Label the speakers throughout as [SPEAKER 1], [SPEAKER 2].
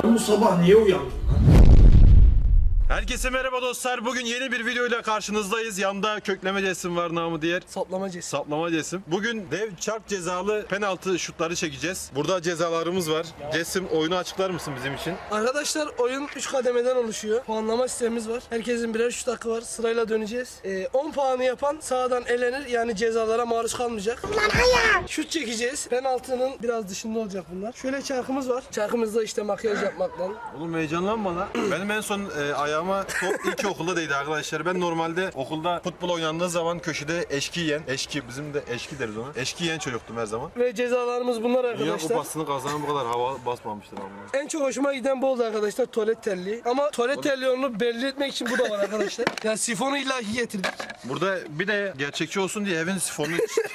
[SPEAKER 1] Bu sabah niye uyandın?
[SPEAKER 2] Herkese merhaba dostlar. Bugün yeni bir videoyla karşınızdayız. Yanımda kökleme Cesim var, namı diğer
[SPEAKER 3] Saplama Cesim.
[SPEAKER 2] Saplama Cesim. Bugün dev çarp cezalı penaltı şutları çekeceğiz. Burada cezalarımız var. Cesim, oyunu açıklar mısın bizim için?
[SPEAKER 3] Arkadaşlar oyun 3 kademeden oluşuyor. Puanlama sistemimiz var. Herkesin birer şut hakkı var. Sırayla döneceğiz. 10 puanı yapan sağdan elenir. Yani cezalara maruz kalmayacak. Şut çekeceğiz. Penaltının biraz dışında olacak bunlar. Şöyle çarkımız var. Çarkımızda işte makyaj yapmaktan.
[SPEAKER 2] Oğlum heyecanlanma lan. Benim en son ayağıma top ilkokulda değdi arkadaşlar. Ben normalde okulda futbol oynandığı zaman köşede eşki yiyen, bizim de eşki deriz ona. Eşki yiyen çocuktum her zaman.
[SPEAKER 3] Ve cezalarımız bunlar
[SPEAKER 2] Dünya
[SPEAKER 3] arkadaşlar.
[SPEAKER 2] kupasını kazanan bu kadar hava basmamıştır ama.
[SPEAKER 3] En çok hoşuma giden bu oldu arkadaşlar, tuvalet terliği. Ama tuvalet terliği onu belli etmek için bu da var arkadaşlar. Yani sifonu ilahi getirdik.
[SPEAKER 2] Burada bir de gerçekçi olsun diye evin sifonunu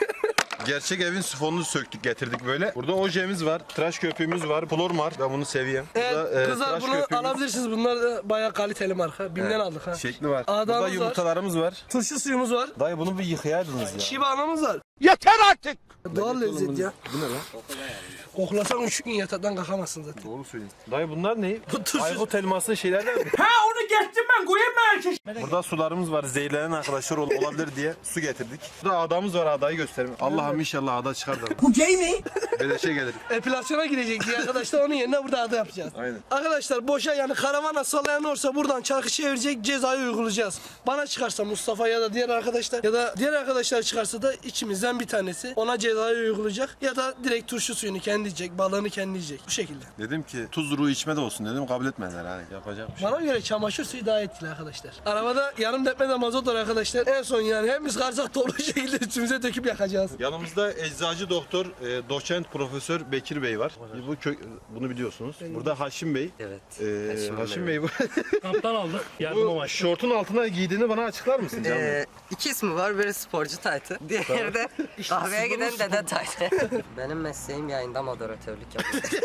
[SPEAKER 2] gerçek evin sifonunu söktük getirdik böyle. Burada ojemiz var, tıraş köpüğümüz var, flormar. Ben bunu seviyorum.
[SPEAKER 3] Evet,
[SPEAKER 2] Burada,
[SPEAKER 3] kızlar
[SPEAKER 2] tıraş
[SPEAKER 3] bunu
[SPEAKER 2] köpüğümüz-
[SPEAKER 3] alabilirsiniz. Bunlar da bayağı kaliteli marka. Bim'den aldık ha.
[SPEAKER 2] Şekli var.
[SPEAKER 3] Adamımız
[SPEAKER 2] Burada
[SPEAKER 3] var.
[SPEAKER 2] yumurtalarımız var.
[SPEAKER 3] Turşu suyumuz var.
[SPEAKER 2] Dayı bunu bir yıkayaydınız ya.
[SPEAKER 3] Şiba anamız var.
[SPEAKER 1] Yeter artık!
[SPEAKER 3] Doğal lezzet ya.
[SPEAKER 2] Bu ne lan?
[SPEAKER 3] Koklasan 3 gün yataktan kalkamazsın zaten.
[SPEAKER 2] Doğru söylüyorsun. Dayı bunlar ne?
[SPEAKER 3] Bu turşu-
[SPEAKER 2] Aykut elması şeylerden mi?
[SPEAKER 1] Ha onu geçtim ben, koyayım mı erkek?
[SPEAKER 2] Burada sularımız var. Zehirlenen arkadaşlar olabilir diye su getirdik. Burada adamız var, adayı göstereyim. Allah'ım inşallah ada çıkar da.
[SPEAKER 1] Bu gay mi?
[SPEAKER 2] Beleşe gelir.
[SPEAKER 3] Epilasyona girecek diye arkadaşlar onun yerine burada adı yapacağız.
[SPEAKER 2] Aynen.
[SPEAKER 3] Arkadaşlar boşa yani karavana sallayan olursa buradan çarkı çevirecek, cezayı uygulayacağız. Bana çıkarsa Mustafa ya da diğer arkadaşlar ya da diğer arkadaşlar çıkarsa da içimizden bir tanesi ona cezayı uygulayacak ya da direkt turşu suyunu kendi yiyecek, balığını kendi yiyecek. Bu şekilde.
[SPEAKER 2] Dedim ki tuzlu içme de olsun dedim, kabul etmediler hani. Yapacak bir şey.
[SPEAKER 3] Bana göre çamaşır suyu daha etkili arkadaşlar. Arabada yarım depmede mazot var arkadaşlar. En son yani hepimiz karsak toplu şekilde üstümüze döküp yakacağız.
[SPEAKER 2] Yanımızda eczacı doktor, doçent profesör Bekir Bey var. Bunu biliyorsunuz. Burada Haşim Bey.
[SPEAKER 4] Evet.
[SPEAKER 2] Haşim Bey bu.
[SPEAKER 5] Kamptan aldık. Yardım
[SPEAKER 2] Bu
[SPEAKER 5] amaçlı.
[SPEAKER 2] şortun altına giydiğini bana açıklar mısın canım?
[SPEAKER 4] İki ismi var. Biri sporcu taytı. Diğeri de kahveye giden dede taytı. Benim mesleğim yayında moderatörlük yapıyor.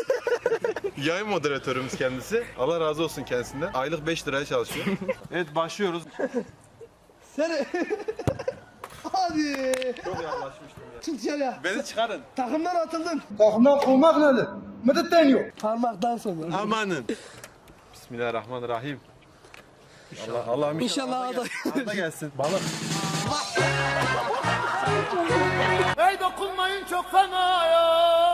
[SPEAKER 2] Yayın moderatörümüz kendisi. Allah razı olsun kendisinden. Aylık 5 liraya çalışıyor. Evet, başlıyoruz.
[SPEAKER 3] Seni. Hadi.
[SPEAKER 2] Çok yaklaşmıştım ya.
[SPEAKER 3] Çık dışarıya.
[SPEAKER 2] Beni çıkarın.
[SPEAKER 3] Takımdan atıldın.
[SPEAKER 1] Takımdan kovmak nedir? Medet deniyor.
[SPEAKER 3] Parmaktan sonra.
[SPEAKER 2] Amanın. Bismillahirrahmanirrahim. Allah'ım
[SPEAKER 3] İnşallah
[SPEAKER 2] Ada gelsin. Balık.
[SPEAKER 1] Hey dokunmayın çok fena ya.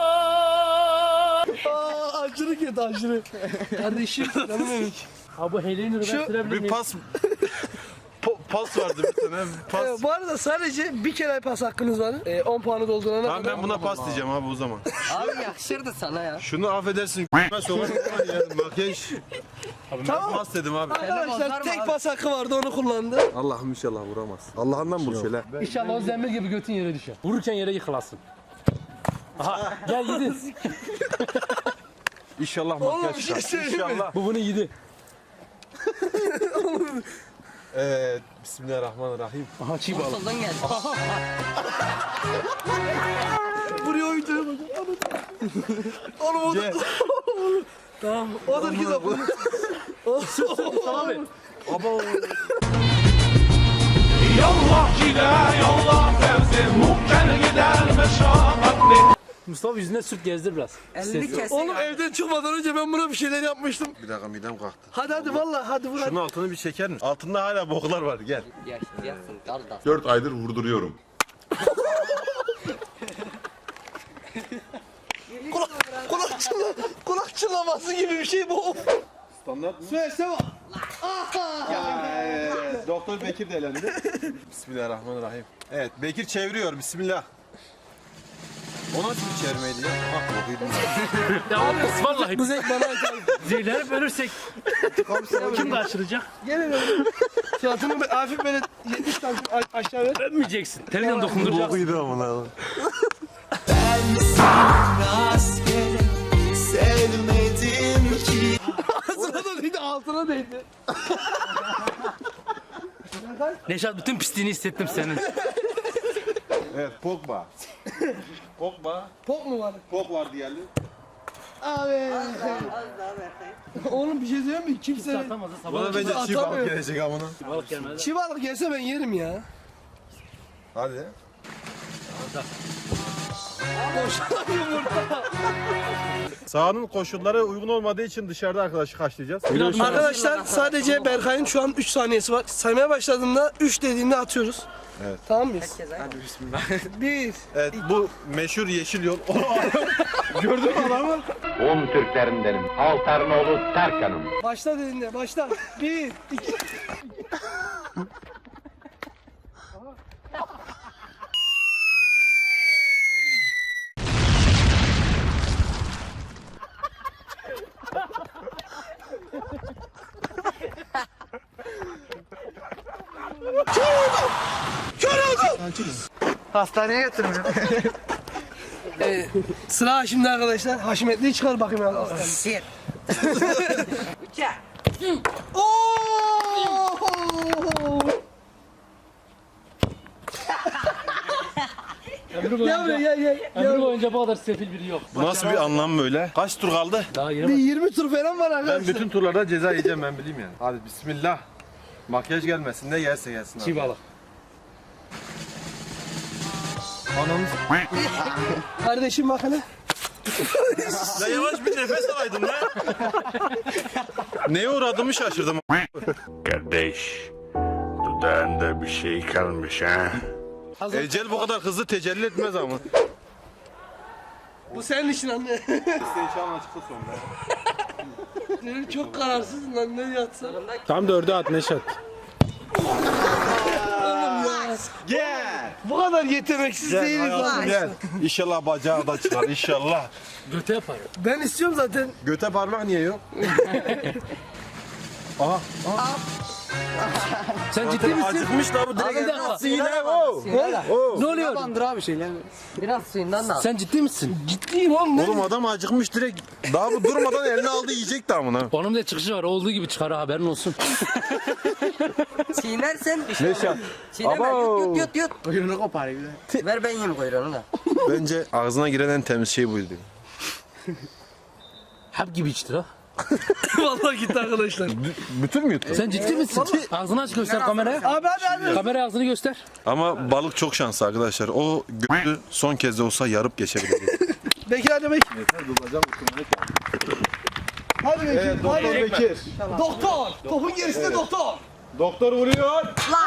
[SPEAKER 3] Aşırı kötü aşırı. Kardeşim canım benim.
[SPEAKER 5] Ha bu Helen'i ben sürebilir
[SPEAKER 2] Bir
[SPEAKER 5] miyim?
[SPEAKER 2] pas pas vardı bir tane. Pas.
[SPEAKER 3] Bu arada sadece bir kere pas hakkınız var. 10 puanı doldurana
[SPEAKER 2] Tamam,
[SPEAKER 3] kadar.
[SPEAKER 2] ben buna pas diyeceğim abi o zaman.
[SPEAKER 4] Abi yakışırdı sana ya.
[SPEAKER 2] Şunu affedersin. Ben sokarım ya. Makyaj.
[SPEAKER 3] Tamam.
[SPEAKER 2] Pas dedim abi.
[SPEAKER 3] Arkadaşlar
[SPEAKER 4] bozar mı
[SPEAKER 3] tek
[SPEAKER 4] abi?
[SPEAKER 3] pas hakkı vardı onu kullandı.
[SPEAKER 2] Allah'ım inşallah vuramaz. Allah'ından vur şöyle.
[SPEAKER 5] İnşallah o zembil gibi götün yere düşer. Vururken yere yıkılasın. Aha gel yedin.
[SPEAKER 2] İnşallah
[SPEAKER 3] Oğlum,
[SPEAKER 2] makyaj
[SPEAKER 3] bir şey
[SPEAKER 2] çıkar.
[SPEAKER 3] söyleyeyim mi?
[SPEAKER 2] İnşallah.
[SPEAKER 5] Bu bunu yedi.
[SPEAKER 2] Evet. Bismillahirrahmanirrahim.
[SPEAKER 5] Aha çiğ balık.
[SPEAKER 4] Soldan geldi.
[SPEAKER 3] Buraya oyuncuya bakın. Oğlum o da...
[SPEAKER 2] Gel.
[SPEAKER 3] Tamam. O da git abi.
[SPEAKER 5] Abi.
[SPEAKER 2] Abo.
[SPEAKER 5] Mustafa yüzüne sürt gezdir biraz.
[SPEAKER 4] 50 kesin.
[SPEAKER 3] Oğlum evden çıkmadan önce ben buna bir şeyler yapmıştım.
[SPEAKER 2] Bir dakika, midem kalktı.
[SPEAKER 3] Hadi vallahi hadi vur hadi.
[SPEAKER 2] Şunun altını bir çeker misin? Altında hala boklar var, gel.
[SPEAKER 4] Yaşayacaksın kardeş.
[SPEAKER 6] 4 aydır vurduruyorum.
[SPEAKER 3] Kulak çınlaması gibi bir şey bu.
[SPEAKER 2] Standart mı?
[SPEAKER 3] Söylesene.
[SPEAKER 2] Doktor Bekir de elendi. Bismillahirrahmanirrahim. Evet, Bekir çeviriyor. Bismillah. O nasıl bir çevirmeydi ya? Bak bakıyordum.
[SPEAKER 5] Ya abi vallahi
[SPEAKER 3] Bu zevk bana ait.
[SPEAKER 5] zehirlenip ölürsek kim karşılayacak?
[SPEAKER 3] Gene böyle. Suratını hafif böyle 70 santim aşağı ver.
[SPEAKER 5] Ölmeyeceksin. Telinden dokunduracaksın.
[SPEAKER 2] Bokuydu amına.
[SPEAKER 3] Ağzına da değdi, altına değdi.
[SPEAKER 5] Neşat bütün pisliğini hissettim senin.
[SPEAKER 2] Evet, Pogba. Pogba.
[SPEAKER 3] Pok mu var?
[SPEAKER 2] Pog var diyelim.
[SPEAKER 3] Abi. Oğlum bir şey söyleyeyim mi? Kimse...
[SPEAKER 5] Atamaz da
[SPEAKER 2] Bana
[SPEAKER 5] sabah
[SPEAKER 2] bence çiğ balık
[SPEAKER 3] Atamıyor.
[SPEAKER 2] gelecek amına.
[SPEAKER 5] balık gelmez.
[SPEAKER 3] Çiğ balık gelse ben yerim ya.
[SPEAKER 2] Hadi.
[SPEAKER 3] Boşalan yumurta.
[SPEAKER 2] Sahanın koşulları uygun olmadığı için dışarıda arkadaşı kaçlayacağız.
[SPEAKER 3] Arkadaşlar sadece Berkay'ın şu an 3 saniyesi var. Saymaya başladığında 3 dediğinde atıyoruz.
[SPEAKER 2] Evet.
[SPEAKER 3] Tamam mıyız?
[SPEAKER 4] Hadi
[SPEAKER 3] 1.
[SPEAKER 2] Evet bu meşhur yeşil yol. Gördün mü adamı?
[SPEAKER 6] Un Türklerindenim. Altarnoğlu Tarkan'ım.
[SPEAKER 3] Başla dediğinde başla. 1, 2.
[SPEAKER 4] Hastaneye götürmüyor.
[SPEAKER 3] Sıra şimdi arkadaşlar. Haşmetli'yi çıkar bakayım ya.
[SPEAKER 4] Shit.
[SPEAKER 5] Ömrü
[SPEAKER 3] Gel buraya
[SPEAKER 5] boyunca,
[SPEAKER 3] gel.
[SPEAKER 5] ömrü boyunca bu kadar sefil biri yok.
[SPEAKER 2] Bu nasıl bir anlam böyle? Kaç tur kaldı?
[SPEAKER 5] Daha
[SPEAKER 3] Bir
[SPEAKER 5] yeni
[SPEAKER 3] 20 tur falan var
[SPEAKER 2] Ben
[SPEAKER 3] arkadaşlar.
[SPEAKER 2] bütün turlarda ceza yiyeceğim ben bileyim yani. Hadi bismillah. Makyaj gelmesin ne gelse gelsin.
[SPEAKER 5] çiğ balık.
[SPEAKER 2] Anamız.
[SPEAKER 3] Kardeşim bak hele.
[SPEAKER 2] Ya yavaş bir nefes alaydın lan. Neye uğradığımı şaşırdım.
[SPEAKER 7] Kardeş, dudağında bir şey kalmış ha?
[SPEAKER 2] Ecel bu kadar hızlı tecelli etmez ama.
[SPEAKER 3] Bu senin için anne.
[SPEAKER 2] İnşallah çıktı sonra.
[SPEAKER 3] Benim çok kararsızım lan ne yatsa.
[SPEAKER 2] Tam 4'e at Neşat.
[SPEAKER 3] Gel. Bu kadar yeteneksiz değiliz lan.
[SPEAKER 2] Gel. İnşallah bacağı da çıkar inşallah.
[SPEAKER 5] Göte yapar.
[SPEAKER 3] Ben istiyorum zaten.
[SPEAKER 2] Göte parmak niye yok? Aha.
[SPEAKER 5] Sen ciddi misin?
[SPEAKER 2] Acıkmış da bu
[SPEAKER 5] Abi bir
[SPEAKER 2] direkt.
[SPEAKER 5] dakika.
[SPEAKER 2] Yine o.
[SPEAKER 5] Ne oluyor?
[SPEAKER 4] Biraz suyundan da al.
[SPEAKER 5] Sen ciddi misin?
[SPEAKER 3] Ciddiyim oğlum.
[SPEAKER 2] Oğlum adam acıkmış direkt. Daha bu durmadan eline aldı yiyecek damına.
[SPEAKER 5] Onun da çıkışı var. Olduğu gibi çıkar ha, haberin olsun.
[SPEAKER 4] Çiğnersen
[SPEAKER 2] Neşat.
[SPEAKER 4] çiğneme
[SPEAKER 2] Abo.
[SPEAKER 4] yut. Kuyruğunu kopar bir de. Ver ben yiyeyim kuyruğunu da.
[SPEAKER 2] Bence ağzına giren en temiz şey buydu.
[SPEAKER 5] Hep gibi içtir ha.
[SPEAKER 3] Vallahi gitti arkadaşlar.
[SPEAKER 2] Bütün mü yuttun?
[SPEAKER 5] Sen ciddi misin? Ağzını aç göster kameraya.
[SPEAKER 3] Abi hadi.
[SPEAKER 5] Kamera ağzını göster.
[SPEAKER 2] Ama balık çok şanslı arkadaşlar. O götü son kez de olsa yarıp geçebilir.
[SPEAKER 3] Bekir hadi Bekir. Hadi Bekir. hadi.
[SPEAKER 2] Bekir.
[SPEAKER 3] Doktor. Topun gerisinde doktor.
[SPEAKER 2] Doktor vuruyor.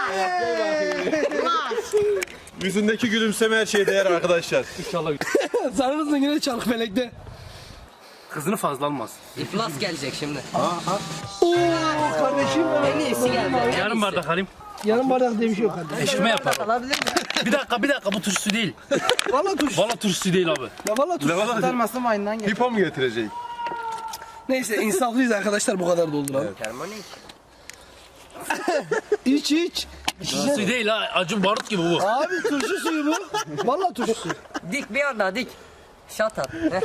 [SPEAKER 2] Yüzündeki gülümseme her şeye değer arkadaşlar.
[SPEAKER 5] İnşallah.
[SPEAKER 3] Sarınızın yine çalık melekte.
[SPEAKER 5] Kızını fazla almaz.
[SPEAKER 4] İflas gelecek şimdi.
[SPEAKER 3] Oo kardeşim.
[SPEAKER 4] En iyisi geldi. en
[SPEAKER 5] Yarım
[SPEAKER 4] iyisi.
[SPEAKER 5] bardak alayım.
[SPEAKER 3] Yarım bardak diye bir şey yok kardeşim.
[SPEAKER 5] Eşkime yapar.
[SPEAKER 4] Alabilir miyim?
[SPEAKER 5] Bir dakika bu turşusu değil.
[SPEAKER 3] Valla tuş.
[SPEAKER 5] Valla turşusu değil abi.
[SPEAKER 3] Ya valla tuş.
[SPEAKER 2] Pipo mu getirecek?
[SPEAKER 3] Neyse insaflıyız arkadaşlar bu kadar dolduralım.
[SPEAKER 4] Termonik.
[SPEAKER 3] İç.
[SPEAKER 5] Turşusu değil ha. Acun barut gibi bu.
[SPEAKER 3] Abi turşu suyu bu. Valla turşu suyu.
[SPEAKER 4] Dik bir anda dik. Şat at. Heh.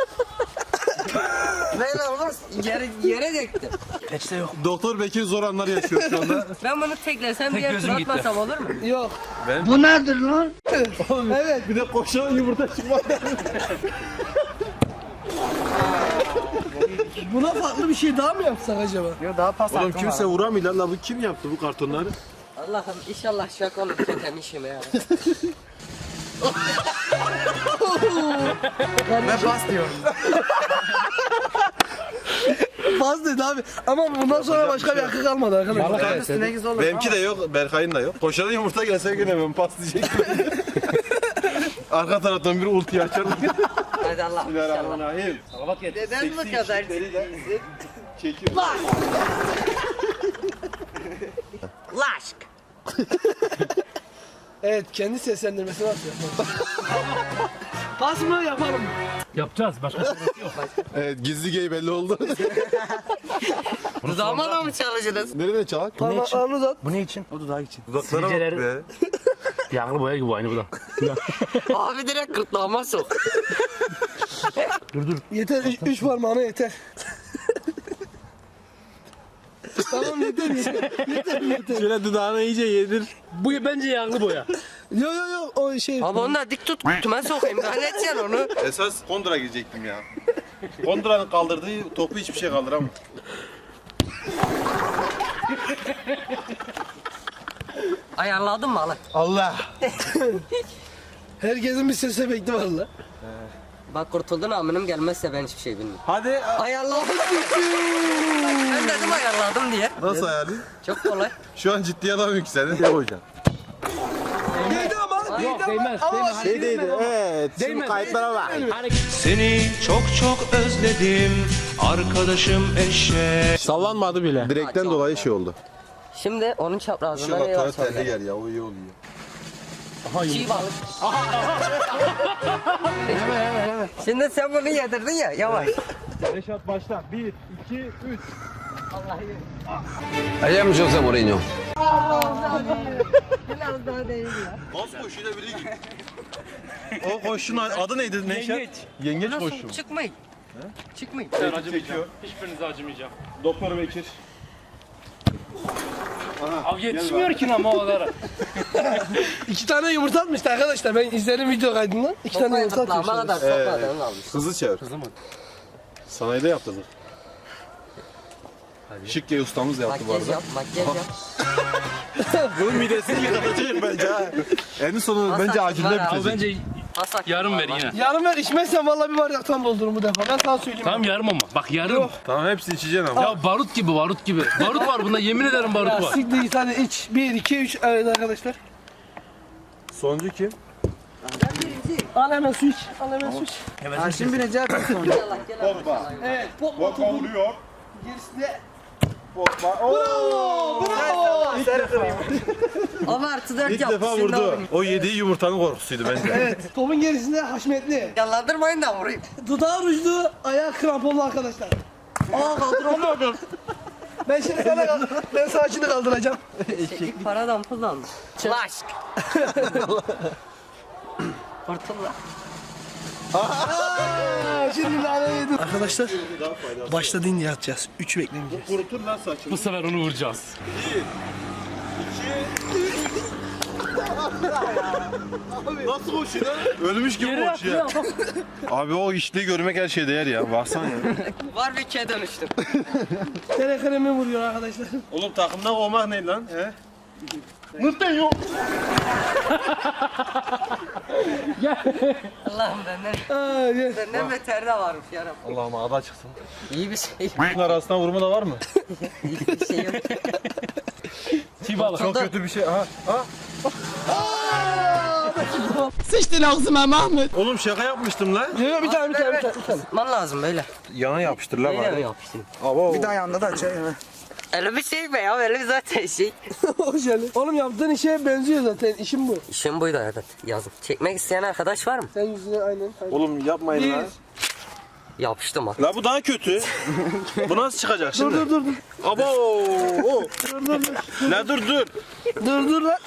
[SPEAKER 4] Böyle olmaz. Yere döktüm.
[SPEAKER 5] Peçete yok.
[SPEAKER 2] Doktor Bekir zor anlar yaşıyor şu anda.
[SPEAKER 4] Ben bunu teklesem
[SPEAKER 5] Tek
[SPEAKER 4] diye
[SPEAKER 5] gözüm
[SPEAKER 4] tur
[SPEAKER 5] gitti.
[SPEAKER 4] atmasam olur mu?
[SPEAKER 3] Yok.
[SPEAKER 2] Bu
[SPEAKER 3] nedir lan? Evet.
[SPEAKER 2] Bir de koşan yumurta çıkmadı.
[SPEAKER 3] Buna farklı bir şey daha mı yapsak acaba?
[SPEAKER 2] Oğlum kimse vuramıyor lan. Bu kim yaptı bu kartonları?
[SPEAKER 4] Allah'ım inşallah şaka olur kötemişim ya.
[SPEAKER 3] Faz dedi abi. Ama bundan sonra başka bir hakkı kalmadı arkadaşlar.
[SPEAKER 5] Balık yeseydi.
[SPEAKER 2] Benimki de yok, Berkay'ın da yok. Koşan yumurta gelse yine ben pas diyecektim. Arka taraftan bir ulti açar.
[SPEAKER 4] Hadi Allah inşallah.
[SPEAKER 2] Bismillahirrahmanirrahim.
[SPEAKER 5] Salavat getir.
[SPEAKER 4] Neden bu kadar
[SPEAKER 2] Çekiyor.
[SPEAKER 4] Laşk.
[SPEAKER 3] Evet kendi seslendirmesini atıyor. Pas mı yapalım mı?
[SPEAKER 5] Yapacağız. Başka şey yok.
[SPEAKER 2] Evet gizli gay belli oldu.
[SPEAKER 4] Dudağıma da mı çalışırız?
[SPEAKER 2] Nereden çalak?
[SPEAKER 3] Parmaklarını uzat.
[SPEAKER 5] Bu ne için? O dudağı için.
[SPEAKER 2] Dudaklara bak
[SPEAKER 5] Sivilceleri-
[SPEAKER 2] be.
[SPEAKER 5] Yağlı boya gibi aynı bu da.
[SPEAKER 4] Abi direkt gırtlağıma sok.
[SPEAKER 3] Yeter 3 parmağına yeter. Tamam yeter.
[SPEAKER 2] Şöyle dudağına iyice yedir.
[SPEAKER 5] Bu bence yağlı boya.
[SPEAKER 3] Yo o şey.
[SPEAKER 4] Abi onu da dik tut kutuma sokayım. Daha ne edeceksin onu?
[SPEAKER 2] Esas kontra girecektim ya. Kontra'nın kaldırdığı topu hiçbir şey kaldıramam.
[SPEAKER 4] Ayarladın mı Ali?
[SPEAKER 2] Allah.
[SPEAKER 3] Herkesin bir ses efekti var la.
[SPEAKER 4] Bak kurtuldun aminim gelmezse ben hiçbir şey bilmiyorum.
[SPEAKER 2] Hadi.
[SPEAKER 4] Ayarladım. Ben dedim ayarladım diye.
[SPEAKER 2] Nasıl ayarlayayım?
[SPEAKER 4] Çok kolay.
[SPEAKER 2] Şu an ciddi adam yükseldi. Ne koyacaksın?
[SPEAKER 3] Değdi ama.
[SPEAKER 5] Yok değmez. Değmez.
[SPEAKER 2] Şey değildi. Evet. Şimdi
[SPEAKER 5] Değmez.
[SPEAKER 2] kayıtlara bak.
[SPEAKER 8] Seni çok çok özledim arkadaşım eşek.
[SPEAKER 2] Sallanmadı bile. Direkten
[SPEAKER 4] çok
[SPEAKER 2] dolayı şey oldu.
[SPEAKER 4] Şimdi onun
[SPEAKER 2] Şu
[SPEAKER 4] çaprazında
[SPEAKER 2] bak
[SPEAKER 4] ne var
[SPEAKER 2] taraf
[SPEAKER 4] sonra?
[SPEAKER 2] terli gel ya o iyi oluyor.
[SPEAKER 4] Çiğ balık. Şimdi sen bunu yedirdin ya yavaş.
[SPEAKER 2] Reşat başla. 1, 2, 3.
[SPEAKER 8] I am Jose Mourinho.
[SPEAKER 4] Biraz daha değil ya.
[SPEAKER 2] Bas koşuyla biri gibi. O koşunun adı neydi Neşet?
[SPEAKER 5] Yengeç.
[SPEAKER 2] Yengeç
[SPEAKER 4] Nasıl
[SPEAKER 2] koşu.
[SPEAKER 4] çıkmayın? Çıkmayın.
[SPEAKER 5] Ben acımayacağım. Hiçbirinize acımayacağım.
[SPEAKER 2] Doktor Bekir.
[SPEAKER 5] Abi yetişmiyor ki ama o kadar.
[SPEAKER 3] 2 tane yumurta atmıştı arkadaşlar. Ben izledim video kaydından. 2 tane yumurta
[SPEAKER 4] Ama
[SPEAKER 3] atmışlar.
[SPEAKER 4] kadar sokmadan almış.
[SPEAKER 2] Hızlı çevir. Sanayide yaptırdık. Şıkke ustamız yaptı bu
[SPEAKER 4] Makyaj
[SPEAKER 2] arada.
[SPEAKER 4] yap, makyaj yap.
[SPEAKER 2] Bunun midesini yıkatacağım bence ha. En sonu
[SPEAKER 4] Hasan,
[SPEAKER 2] bence acilde
[SPEAKER 4] var abi.
[SPEAKER 2] bitecek.
[SPEAKER 5] Bence
[SPEAKER 4] Asak.
[SPEAKER 5] yarım ver yine.
[SPEAKER 3] Yarın ver içmezsen vallahi bir bardaktan doldururum bu defa. Ben sana söyleyeyim.
[SPEAKER 5] Tamam yarım ama. Bak yarım.
[SPEAKER 2] Tamam hepsini içeceksin ama.
[SPEAKER 5] Ya barut gibi barut gibi. Barut var bunda yemin ederim barut
[SPEAKER 3] Ya
[SPEAKER 5] var.
[SPEAKER 3] siktir git hadi iç. 1, 2, 3. Evet arkadaşlar.
[SPEAKER 2] Sonuncu kim?
[SPEAKER 3] Al hemen su iç. Al hemen su iç.
[SPEAKER 2] Pogba.
[SPEAKER 3] Evet. Pogba
[SPEAKER 2] Pogba vuruyor.
[SPEAKER 3] gerisi de.
[SPEAKER 2] Pogba. Oo!
[SPEAKER 3] Bravo.
[SPEAKER 4] Ama artı 4
[SPEAKER 2] İlk
[SPEAKER 4] yaptı.
[SPEAKER 2] defa
[SPEAKER 4] şimdi
[SPEAKER 2] vurdu.
[SPEAKER 4] alayım.
[SPEAKER 2] O yediği yumurtanın korkusuydu bence.
[SPEAKER 3] Evet. Topun gerisinde Haşmetli.
[SPEAKER 4] Yalandırmayın da vurayım.
[SPEAKER 3] Dudağı rujlu, ayağı kramponlu arkadaşlar.
[SPEAKER 4] Aa kaldıramadım.
[SPEAKER 3] Ben şimdi ben sana şimdi kaldıracağım.
[SPEAKER 4] İlk paradan pul almış. Laşk. Kurtulla.
[SPEAKER 3] Şimdi lanet yedim. Arkadaşlar başladı indi yatacağız. 3 beklemeyeceğiz.
[SPEAKER 2] Kurutur lan saçını.
[SPEAKER 5] Bu sefer onu vuracağız.
[SPEAKER 2] Nasıl koşuyor lan? Ölmüş gibi koşuyor. Abi o işliği görmek her şeye değer ya. Baksana ya.
[SPEAKER 4] Var bir ikiye dönüştüm.
[SPEAKER 3] Tere kremi vuruyor arkadaşlar.
[SPEAKER 2] Oğlum takımdan olmak ne lan? He?
[SPEAKER 4] Allah'ım benden. Benden beter de varmış yarım.
[SPEAKER 2] Allah'ım ada çıksın.
[SPEAKER 4] İyi bir şey.
[SPEAKER 2] Bunun arasından vurma da var mı?
[SPEAKER 4] İyi bir şey yok.
[SPEAKER 5] Çiğ balık.
[SPEAKER 2] Çok kötü bir şey. Aha. Ha.
[SPEAKER 3] Sıçtın ağzıma Mahmut.
[SPEAKER 2] Oğlum şaka yapmıştım lan.
[SPEAKER 3] Yok bir tane.
[SPEAKER 4] Tutman lazım böyle.
[SPEAKER 2] Yana yapıştır lan
[SPEAKER 4] Böyle mi
[SPEAKER 2] bari.
[SPEAKER 4] yapıştın?
[SPEAKER 2] Abo.
[SPEAKER 4] Öyle bir şey be ya öyle bir zaten şey.
[SPEAKER 3] O jeli. Oğlum yaptığın işe benziyor zaten. İşim bu.
[SPEAKER 4] İşim buydu evet yazın. Çekmek isteyen arkadaş var mı?
[SPEAKER 3] Sen yüzüne aynen.
[SPEAKER 2] Oğlum yapmayın lan.
[SPEAKER 4] Yapıştım ha.
[SPEAKER 2] La bu daha kötü. Bu nasıl çıkacak
[SPEAKER 3] Dur
[SPEAKER 2] şimdi?
[SPEAKER 3] dur.
[SPEAKER 2] Abo. Oh. La dur.
[SPEAKER 3] Dur lan.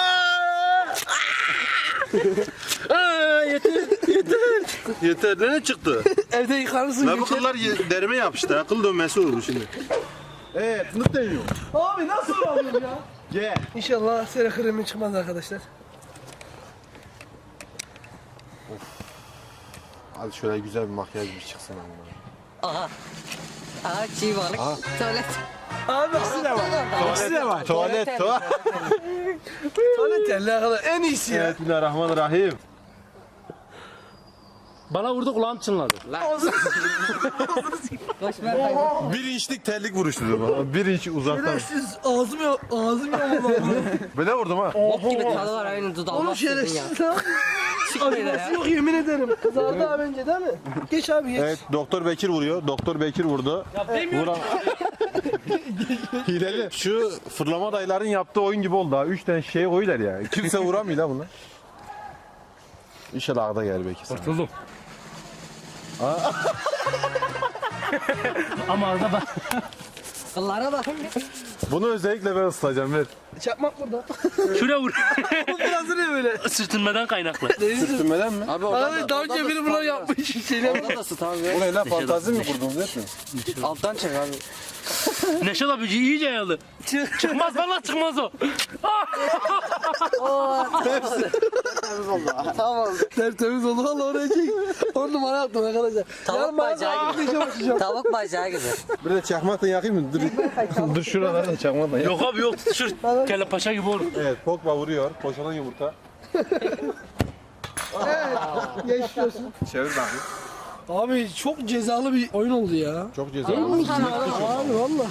[SPEAKER 2] Yeter. Ne çıktı?
[SPEAKER 3] Evde yıkarsın.
[SPEAKER 2] La bu kıllar derime yapıştı. Akıl dönmesi oldu şimdi. Evet, fındık deniyor.
[SPEAKER 3] Abi nasıl alıyorsun ya?
[SPEAKER 2] Gel.
[SPEAKER 3] İnşallah sera kremi çıkmaz arkadaşlar.
[SPEAKER 2] Hadi şöyle güzel bir makyaj bir çıksın ama.
[SPEAKER 4] Aha. Aha çiğ balık. Tuvalet.
[SPEAKER 3] Abi ikisi de var. İkisi de var.
[SPEAKER 2] Tuvalet.
[SPEAKER 3] Tuvalet yerli arkadaşlar. En iyisi ya.
[SPEAKER 2] Evet, Bismillahirrahmanirrahim.
[SPEAKER 5] Bana vurdu kulağım çınladı.
[SPEAKER 4] Boş ver kaydı.
[SPEAKER 2] 1 inçlik terlik vuruştu bana. 1 inç uzaktan.
[SPEAKER 3] Siz ağzım yok.
[SPEAKER 2] Böyle vurdum ha.
[SPEAKER 4] Bok gibi tadı var aynı dudağıma
[SPEAKER 3] Oğlum
[SPEAKER 4] sürdün ya.
[SPEAKER 3] şerefsiz lan.
[SPEAKER 4] Çıkmıyor
[SPEAKER 3] Acıması
[SPEAKER 4] ya.
[SPEAKER 3] yok yemin ederim. Kızardı abi önce değil mi? Geç abi geç.
[SPEAKER 2] Evet, Doktor Bekir vuruyor. Doktor Bekir vurdu.
[SPEAKER 5] Ya demiyorum.
[SPEAKER 2] Hileli. Şu fırlama dayıların yaptığı oyun gibi oldu ha. 3 tane şey koyuyorlar ya. Kimse vuramıyor lan bunlar. İnşallah ağda gel Bekir sana.
[SPEAKER 5] Kurtuldum. Ama arada bak.
[SPEAKER 4] Kıllara bak.
[SPEAKER 2] Bunu özellikle ben ısıtacağım ver.
[SPEAKER 3] Çakmak burada.
[SPEAKER 5] Şuraya vur.
[SPEAKER 3] Biraz ne böyle?
[SPEAKER 5] Sürtünmeden kaynaklı.
[SPEAKER 2] Sürtünmeden mi?
[SPEAKER 4] Abi
[SPEAKER 3] Abi daha önce biri bunu yapmış. Şeyler
[SPEAKER 4] Orada da sıt abi.
[SPEAKER 2] Bu ne lan fantazi mi kurdunuz hep mi?
[SPEAKER 4] Alttan çek abi.
[SPEAKER 5] Neşet abi iyice yayıldı. Çıkmaz valla çıkmaz o.
[SPEAKER 4] Tamam.
[SPEAKER 3] tertemiz oldu valla oraya çek. 10 numara yaptım arkadaşlar.
[SPEAKER 4] Tavuk bacağı gibi. Tavuk bacağı gibi.
[SPEAKER 2] Bir de çakmakla yakayım mı? Dur, dur şuralarda çakmakla yak.
[SPEAKER 5] Yok abi yok tutuşur. Kelle paşa gibi olur.
[SPEAKER 2] Evet, Pogba vuruyor. Koşalan yumurta.
[SPEAKER 3] Geçiyorsun.
[SPEAKER 2] Çevir bakayım.
[SPEAKER 3] Abi çok cezalı bir oyun oldu ya.
[SPEAKER 2] Çok cezalı.
[SPEAKER 3] Abi valla.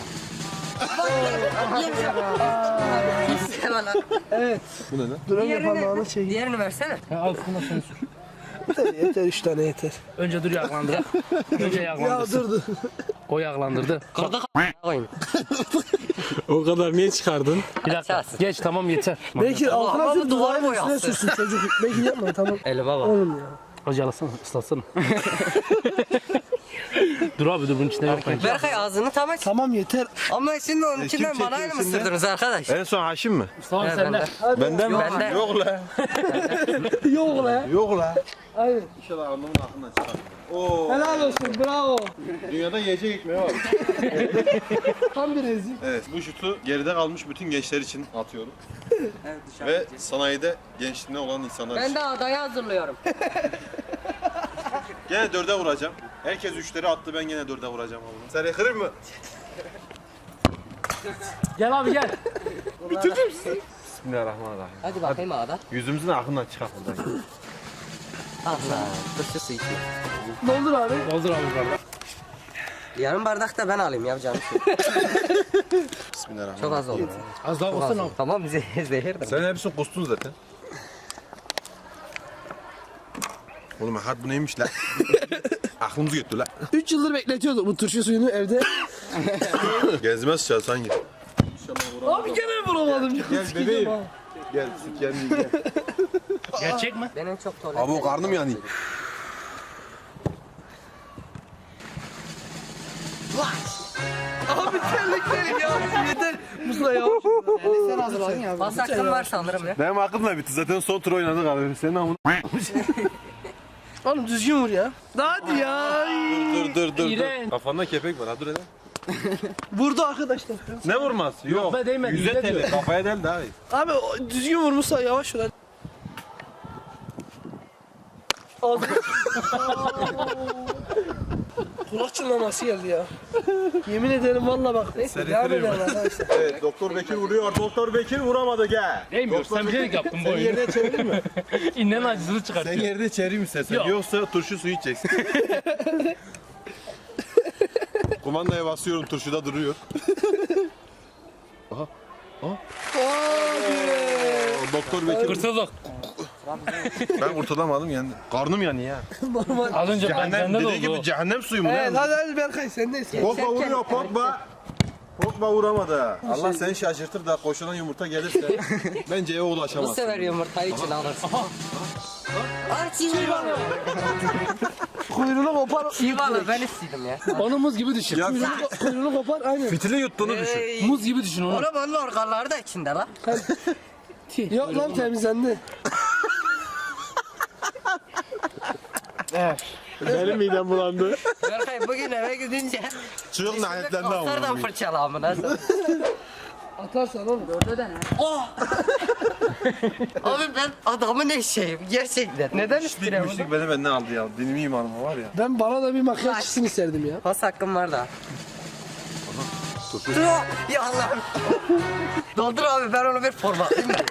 [SPEAKER 3] Evet.
[SPEAKER 2] Bu ne lan?
[SPEAKER 3] Duran yapanlarına şey.
[SPEAKER 4] Diğerini versene.
[SPEAKER 5] Al şunu sen sür.
[SPEAKER 3] Yeter 3 tane yeter.
[SPEAKER 5] Önce dur yağlandır. Önce
[SPEAKER 3] Ya
[SPEAKER 5] yağlandırsın.
[SPEAKER 3] dur.
[SPEAKER 5] O yağlandırdı.
[SPEAKER 4] Kırdık koyun.
[SPEAKER 5] O kadar niye çıkardın? Bir dakika.
[SPEAKER 4] Açarsın.
[SPEAKER 5] Geç tamam yeter.
[SPEAKER 3] Belki altına
[SPEAKER 4] ama
[SPEAKER 3] sür
[SPEAKER 4] bu duvar
[SPEAKER 3] duvarın üstüne
[SPEAKER 4] boyası.
[SPEAKER 3] sürsün çocuk. Belki yapma tamam.
[SPEAKER 4] Elime bak.
[SPEAKER 3] Oğlum ya.
[SPEAKER 5] Hocalasana, ıslatsana. Dur abi dur bunun içine yok bence.
[SPEAKER 4] Berkay ağzını tam aç.
[SPEAKER 3] Tamam yeter.
[SPEAKER 4] Ama şimdi onun içinden
[SPEAKER 2] kim
[SPEAKER 4] bana
[SPEAKER 2] çekiyor
[SPEAKER 4] mı
[SPEAKER 2] şimdi?
[SPEAKER 4] sürdünüz arkadaş?
[SPEAKER 2] En son Haşim mi?
[SPEAKER 5] Tamam
[SPEAKER 4] Evet,
[SPEAKER 5] senden.
[SPEAKER 4] benden.
[SPEAKER 2] Benden mi?
[SPEAKER 4] Benden.
[SPEAKER 2] Yok la.
[SPEAKER 3] Yok la.
[SPEAKER 2] Yok la.
[SPEAKER 3] Aynen.
[SPEAKER 2] İnşallah alnımın aklından çıkar. Oo.
[SPEAKER 3] Helal olsun bravo.
[SPEAKER 2] Dünyada yiyecek ekmeği var.
[SPEAKER 3] Tam bir rezil.
[SPEAKER 2] Evet, bu şutu geride kalmış bütün gençler için atıyorum. Ve sanayide gençliğine olan insanlar
[SPEAKER 4] Ben
[SPEAKER 2] için.
[SPEAKER 4] de adayı hazırlıyorum.
[SPEAKER 2] Gene 4'e vuracağım. Herkes 3'leri attı, ben gene 4'e vuracağım oğlum. Sen kırır mı?
[SPEAKER 5] Gel abi gel.
[SPEAKER 2] Bismillahirrahmanirrahim.
[SPEAKER 4] Hadi bakayım ada.
[SPEAKER 2] Yüzümüzün aklından çıkar buradan.
[SPEAKER 4] Allah. Turşu su içme.
[SPEAKER 3] Doldur abi.
[SPEAKER 5] Doldur abi yukarıda.
[SPEAKER 4] Yarım bardak da ben alayım yapacağım şey.
[SPEAKER 2] Bismillahirrahmanirrahim.
[SPEAKER 4] Çok az oldu.
[SPEAKER 5] Az daha
[SPEAKER 4] Çok az
[SPEAKER 5] olsun
[SPEAKER 4] oldu.
[SPEAKER 5] abi.
[SPEAKER 4] Tamam zehir de.
[SPEAKER 2] Sen hepsini kustun zaten. Oğlum hadi bu neymiş lan? Aklımızı götür lan.
[SPEAKER 3] 3 yıldır bekletiyorduk bu turşu suyunu evde.
[SPEAKER 2] Gezmez sıçar sanki.
[SPEAKER 3] Abi gene vuramadım.
[SPEAKER 2] Gel bebeğim. Gel süt gelmeyeyim gel.
[SPEAKER 5] Gerçek mi?
[SPEAKER 4] Ben en çok tuvalet.
[SPEAKER 2] Abi o karnım yanıyor.
[SPEAKER 3] Abi terliklerim ya. Yeter. Musa ya.
[SPEAKER 4] Pas hakkım var sanırım ya.
[SPEAKER 2] Benim aklımla bitti. Zaten son tur oynadık abi. Senin amına.
[SPEAKER 3] Oğlum düzgün vur ya. Hadi ya.
[SPEAKER 2] Dur.
[SPEAKER 5] İğrenç.
[SPEAKER 2] Kafanda kepek var. Hadi dur hele.
[SPEAKER 3] Vurdu arkadaşlar.
[SPEAKER 2] Ne vurması? Yok.
[SPEAKER 5] be, değmedi.
[SPEAKER 2] Yüze
[SPEAKER 5] Yüze
[SPEAKER 2] teli.
[SPEAKER 5] diyor.
[SPEAKER 2] Kafaya del daha iyi.
[SPEAKER 3] Abi düzgün vur Musa yavaş vur hadi. Aldım. Kulak çınlaması geldi ya. Yemin ederim valla bak. Neyse devam edelim arkadaşlar.
[SPEAKER 2] Evet, Doktor Bekir vuruyor. Doktor Bekir vuramadı gel.
[SPEAKER 5] Değmiyor. Sen bilerek yaptın bu
[SPEAKER 2] Sen
[SPEAKER 5] oyunu.
[SPEAKER 2] yerde çevirir mi?
[SPEAKER 5] İnnen acısını
[SPEAKER 2] Sen
[SPEAKER 5] çıkartıyor.
[SPEAKER 2] yerde çevireyim istersen.
[SPEAKER 5] Yok.
[SPEAKER 2] Yoksa turşu suyu içeceksin. Kumandaya basıyorum, turşuda duruyor. Doktor Bekir.
[SPEAKER 5] Kurtulduk.
[SPEAKER 2] Ben kurtulamadım yani. Karnım yanıyor ya.
[SPEAKER 5] Az önce
[SPEAKER 2] Cehennem
[SPEAKER 5] bende de
[SPEAKER 2] dediği gibi
[SPEAKER 5] oldu.
[SPEAKER 2] cehennem suyu mu?
[SPEAKER 3] Evet
[SPEAKER 2] ne?
[SPEAKER 3] hadi Berkay sendeyiz.
[SPEAKER 2] Pogba vuruyor Pogba. Pogba vuramadı. Allah seni şaşırtır da koşulan yumurta gelirse bence eve
[SPEAKER 4] Bu
[SPEAKER 2] ulaşamazsın.
[SPEAKER 4] sefer yumurtayı için alırsın. Ay çiğ balı.
[SPEAKER 3] Kuyruğunu kopar.
[SPEAKER 4] Çiğ balı ben istedim ya.
[SPEAKER 5] Onu muz gibi düşün.
[SPEAKER 2] Ya
[SPEAKER 3] Kuyruğunu kopar aynen.
[SPEAKER 2] fitili yuttuğunu düşün.
[SPEAKER 5] Muz gibi düşün onu.
[SPEAKER 4] Ona onun organları da içinde lan.
[SPEAKER 3] Yok lan temizlendi.
[SPEAKER 2] Benim midem bulandı.
[SPEAKER 4] Berkay bugün eve gidince
[SPEAKER 2] Çığlık lanetlendi
[SPEAKER 4] Nereden
[SPEAKER 2] ama.
[SPEAKER 4] fırçala amına.
[SPEAKER 3] Atarsan oğlum.
[SPEAKER 4] Abi ben adamın eşeğim gerçekten. Neden üstüne bunu?
[SPEAKER 2] Müşrik beni benden aldı ya. Dinimi imanıma var ya.
[SPEAKER 3] Ben bana da bir makyaj çıksın isterdim ya.
[SPEAKER 4] Pas hakkım var da. Ya Allah'ım. Doldur abi ben onu bir formatlayayım mı?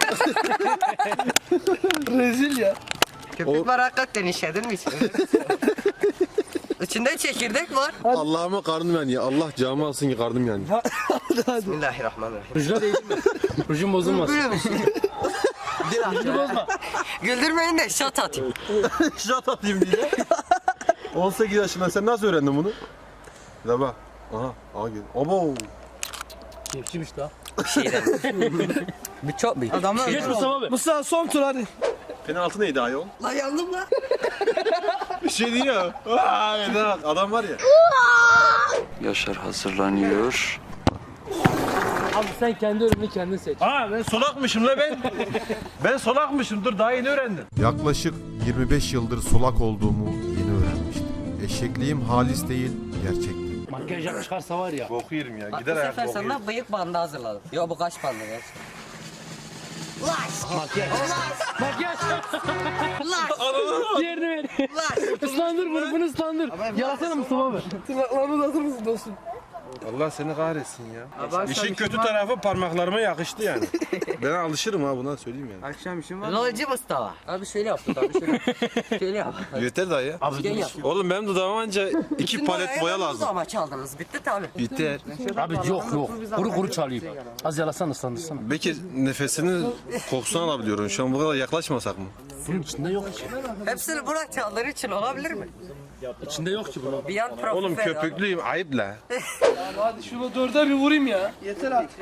[SPEAKER 3] Rezil ya.
[SPEAKER 4] Köpük var hakikaten işledin mi içine? İçinde çekirdek var.
[SPEAKER 2] Allah'ıma karnım yanıyor. Allah camı alsın ki karnım yanıyor.
[SPEAKER 4] Bismillahirrahmanirrahim.
[SPEAKER 5] Rujuna değdin mi? Rujun bozulmasın.
[SPEAKER 4] Böyle bir şey.
[SPEAKER 5] Rujunu bozma.
[SPEAKER 4] Güldürmeyin de şat atayım.
[SPEAKER 2] Şat atayım diye. 18 yaşında sen nasıl öğrendin bunu? La bak. Aha gel. Abo.
[SPEAKER 5] Keyifçiymiş daha.
[SPEAKER 4] Şeyden. Bir çok büyük. Adamlar
[SPEAKER 5] Geç Mustafa abi.
[SPEAKER 3] Musa son tur hadi.
[SPEAKER 2] Penaltı neydi ayol?
[SPEAKER 4] Lan yandım lan.
[SPEAKER 2] Bir şey değil ya. Adam var ya.
[SPEAKER 8] Yaşar hazırlanıyor.
[SPEAKER 5] Abi sen kendi ölümünü kendin seç.
[SPEAKER 2] Aa ben solakmışım la ben. Ben solakmışım. Dur daha yeni öğrendim.
[SPEAKER 9] Yaklaşık 25 yıldır solak olduğumu yeni öğrenmiştim. Eşekliğim halis değil, gerçekti.
[SPEAKER 5] Makyaj yap çıkarsa var ya.
[SPEAKER 2] Boku yerim ya.
[SPEAKER 4] Bak bu
[SPEAKER 2] Gider ayak
[SPEAKER 4] sefer
[SPEAKER 2] boku yerim.
[SPEAKER 4] sana bıyık bandı hazırladım. Yo bu kaç bandı gerçekten?
[SPEAKER 5] Makyaj. Makyaj. Diğerini ver. Islandır bunu ıslandır. Yalasana Mustafa abi.
[SPEAKER 3] Tırnaklarını da atır mısın dostum?
[SPEAKER 2] Allah seni kahretsin ya.
[SPEAKER 10] Abi,
[SPEAKER 2] İşin kötü tarafı parmaklarıma yakıştı yani. Ben alışırım ha buna söyleyeyim yani.
[SPEAKER 10] Akşam işim var.
[SPEAKER 4] Lolcu Mustafa. Abi şöyle yaptı abi şöyle yap. Şöyle yap.
[SPEAKER 2] Yeter dayı.
[SPEAKER 4] Gel yap.
[SPEAKER 2] Oğlum benim dudağıma anca 2
[SPEAKER 4] Bütün
[SPEAKER 2] palet boya
[SPEAKER 4] boyayı
[SPEAKER 2] lazım.
[SPEAKER 4] Ama çaldınız bitti tabi.
[SPEAKER 2] Yeter.
[SPEAKER 5] Abi yok. Kuru kuru çalayım. Az yalasana ıslandırsana.
[SPEAKER 2] Bekir nefesini kokusunu alabiliyorum. Şu an bu kadar yaklaşmasak mı?
[SPEAKER 5] Bunun içinde yok ki.
[SPEAKER 4] Hepsini Burak çaldığın için olabilir mi?
[SPEAKER 5] İçinde yok ki bunun.
[SPEAKER 4] Bir yan profil
[SPEAKER 2] Oğlum
[SPEAKER 4] ver abi.
[SPEAKER 2] köpüklüyüm ayıp la.
[SPEAKER 3] Hadi şunu 4'e bir vurayım ya. Yeter artık.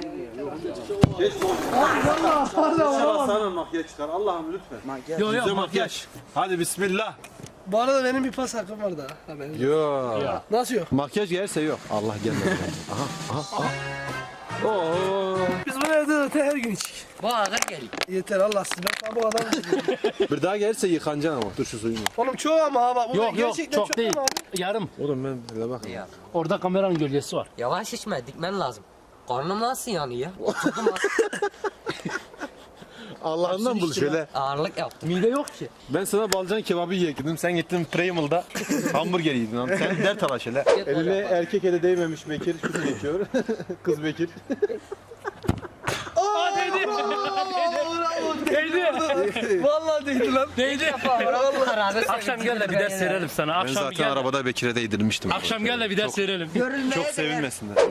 [SPEAKER 2] Sana makyaj çıkar Allah'ım lütfen.
[SPEAKER 5] Yok makyaj.
[SPEAKER 2] Hadi bismillah.
[SPEAKER 3] Bu arada benim bir pas hakkım var daha. Haberiniz yok.
[SPEAKER 2] Yok.
[SPEAKER 3] Nasıl yok?
[SPEAKER 2] Makyaj gelirse yok. Allah gelmedi. Aha. Oo.
[SPEAKER 3] Biz bunu evde öte her gün içik.
[SPEAKER 4] Bu ağır geliyor.
[SPEAKER 3] Yeter Allah siz ben bu adam
[SPEAKER 2] Bir daha gelirse yıkanacaksın ama. Dur şu suyunu.
[SPEAKER 3] Oğlum çok ama ha bak. Bu
[SPEAKER 5] Yok
[SPEAKER 3] gerçekten
[SPEAKER 5] çok değil.
[SPEAKER 3] ama.
[SPEAKER 5] Yarım.
[SPEAKER 2] Oğlum ben öyle bak.
[SPEAKER 4] Ya.
[SPEAKER 5] Orada kameranın gölgesi var.
[SPEAKER 4] Yavaş içme dikmen lazım. Karnım nasıl yanıyor ya? Oturdum az.
[SPEAKER 2] Allah'ından bul şöyle.
[SPEAKER 4] Ağırlık yaptım.
[SPEAKER 5] Mide yok ki.
[SPEAKER 2] Ben sana balcan kebabı yiyektim. Sen gittin Primal'da hamburger yedin. Lan. Sen dert ala şöyle. Eline erkek eli değmemiş Bekir. Kız geçiyor. Kız Bekir.
[SPEAKER 3] Vallahi değdi lan.
[SPEAKER 5] Değdi. Akşam gel de bir ders verelim sana.
[SPEAKER 2] Ben
[SPEAKER 5] Akşam
[SPEAKER 2] zaten
[SPEAKER 5] gel.
[SPEAKER 2] arabada Bekir'e değdirmiştim.
[SPEAKER 5] Akşam gel de bir ders verelim.
[SPEAKER 2] Çok sevinmesinler.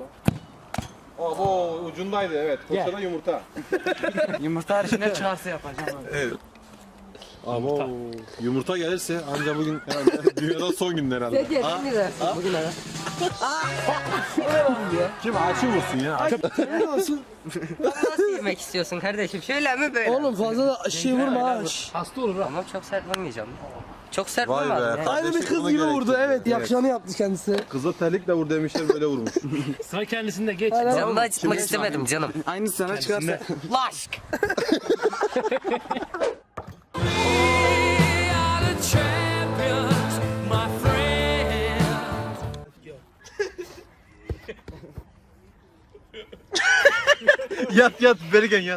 [SPEAKER 2] Abo ucundaydı evet. Koşada yumurta.
[SPEAKER 10] Yumurta haricinde çıkarsa yapacağım abi.
[SPEAKER 2] Evet. Abo yumurta gelirse anca bugün herhalde dünyada son günler herhalde.
[SPEAKER 4] Ne diyorsun mi dersin bugün ara?
[SPEAKER 2] Kim açı vursun ya?
[SPEAKER 3] Ne olsun?
[SPEAKER 4] Nasıl yemek istiyorsun kardeşim? Şöyle mi böyle?
[SPEAKER 3] Oğlum fazla da şey vurma ha.
[SPEAKER 5] Hasta olur ha.
[SPEAKER 4] Tamam çok sert vurmayacağım. Çok sert
[SPEAKER 2] Vay be.
[SPEAKER 4] vurmadım ya.
[SPEAKER 3] Aynı bir
[SPEAKER 2] Kardeşim,
[SPEAKER 3] kız
[SPEAKER 2] buna
[SPEAKER 3] gibi
[SPEAKER 2] gerek
[SPEAKER 3] vurdu
[SPEAKER 2] yok.
[SPEAKER 3] evet. Yakışanı yaptı kendisi.
[SPEAKER 2] Kıza terlikle vur demişler böyle vurmuş.
[SPEAKER 5] Sıra kendisinde geç.
[SPEAKER 4] Canımı acıtmak istemedim canım.
[SPEAKER 10] Aynı sana çıkarsa.
[SPEAKER 4] Laşk.
[SPEAKER 2] Yat Bergen yat.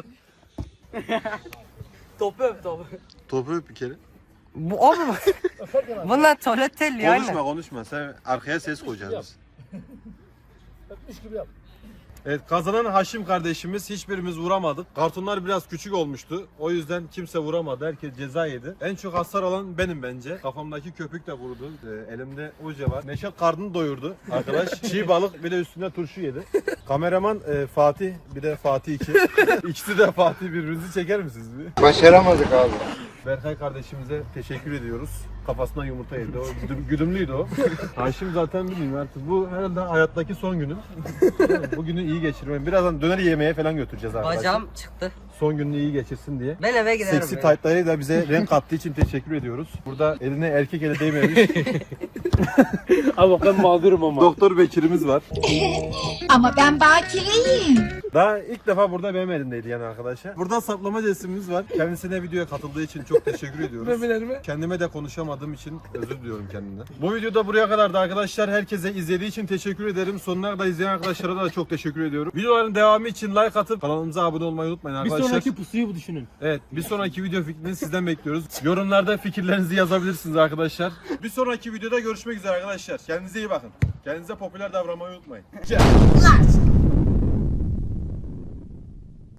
[SPEAKER 3] Topu öp topu.
[SPEAKER 2] Topu öp bir kere.
[SPEAKER 4] Bu o mu? Bunlar tuvalet telli yani.
[SPEAKER 2] Konuşma. Sen arkaya ses koyacağız biz. Evet kazanan Haşim kardeşimiz hiçbirimiz vuramadık. Kartonlar biraz küçük olmuştu. O yüzden kimse vuramadı. Herkes ceza yedi. En çok hasar alan benim bence. Kafamdaki köpük de vurdu. Elimde oje var. Neşet karnını doyurdu. Arkadaş çiğ balık bir de üstüne turşu yedi. Kameraman Fatih bir de Fatih 2. İkisi de Fatih birbirinizi çeker misiniz bir?
[SPEAKER 6] Başaramadık abi.
[SPEAKER 2] Berkay kardeşimize teşekkür ediyoruz. Kafasına yumurta yedi. O güdümlüydü o. Haşim zaten bilmiyorum artık. Bu herhalde hayattaki son günüm. Bugünü iyi geçirmem. Birazdan döner yemeye falan götüreceğiz arkadaşlar.
[SPEAKER 4] Bacağım çıktı.
[SPEAKER 2] Son gününü iyi geçirsin diye.
[SPEAKER 4] Ben eve giderim.
[SPEAKER 2] Seksi
[SPEAKER 4] ya.
[SPEAKER 2] taytlarıyla bize renk kattığı için teşekkür ediyoruz. Burada eline erkek eli değmemiş
[SPEAKER 5] Abi ben mağdurum ama.
[SPEAKER 2] Doktor Bekir'imiz var.
[SPEAKER 11] Ama ben bakireyim.
[SPEAKER 2] Daha ilk defa burada benim elimdeydi yani arkadaşlar. Burada saplama cesimimiz var. Kendisine videoya katıldığı için çok teşekkür ediyoruz.
[SPEAKER 3] Memelerime.
[SPEAKER 2] Kendime de konuşamadığım için özür diliyorum kendimden. Bu videoda buraya kadardı arkadaşlar. Herkese izlediği için teşekkür ederim. Sonuna kadar izleyen arkadaşlara da çok teşekkür ediyorum. Videoların devamı için like atıp kanalımıza abone olmayı unutmayın
[SPEAKER 5] Bir
[SPEAKER 2] arkadaşlar.
[SPEAKER 5] sonraki pusuyu bu düşünün.
[SPEAKER 2] Evet, bir sonraki video fikrini sizden bekliyoruz. Yorumlarda fikirlerinizi yazabilirsiniz arkadaşlar. Bir sonraki videoda görüşmek üzere arkadaşlar. Kendinize iyi bakın. Kendinize popüler davranmayı unutmayın.